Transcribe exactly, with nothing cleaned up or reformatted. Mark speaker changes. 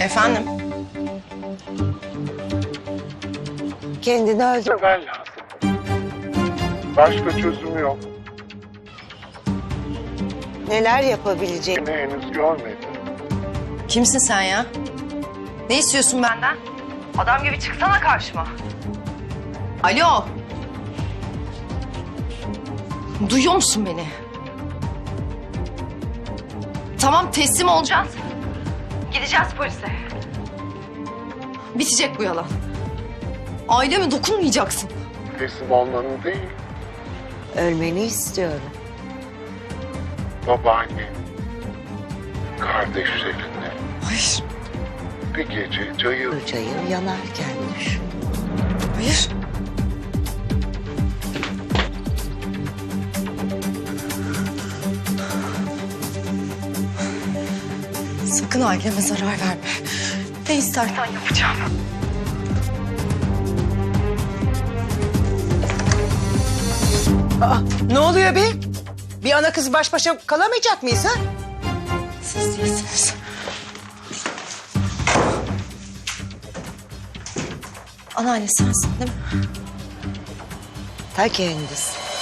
Speaker 1: Efendim?
Speaker 2: Kendini öldür.
Speaker 3: Ben lazım. Başka çözüm yok.
Speaker 2: Neler yapabilecek?
Speaker 3: Beni henüz görmedi.
Speaker 1: Kimsin sen ya? Ne istiyorsun benden? Adam gibi çıksana karşıma. Alo. Duyuyor musun beni? Tamam, teslim olacağız. Gideceğiz polise. Bitecek bu yalan. Aileme dokunmayacaksın.
Speaker 3: Teslim olmanın değil,
Speaker 2: Ölmeni istiyorum.
Speaker 3: babaanne, kardeşlerinle
Speaker 1: Hayır,
Speaker 3: bir gece cayır
Speaker 2: Cayır yanarken düşün.
Speaker 1: hayır. Sakın aileme zarar verme. Ne istersen yapacağım.
Speaker 4: Aa, ne oluyor be? Bir ana kız baş başa kalamayacak mıyız ha?
Speaker 1: Siz değilsiniz. Anneanne sensin değil mi?
Speaker 2: Ta kendisi.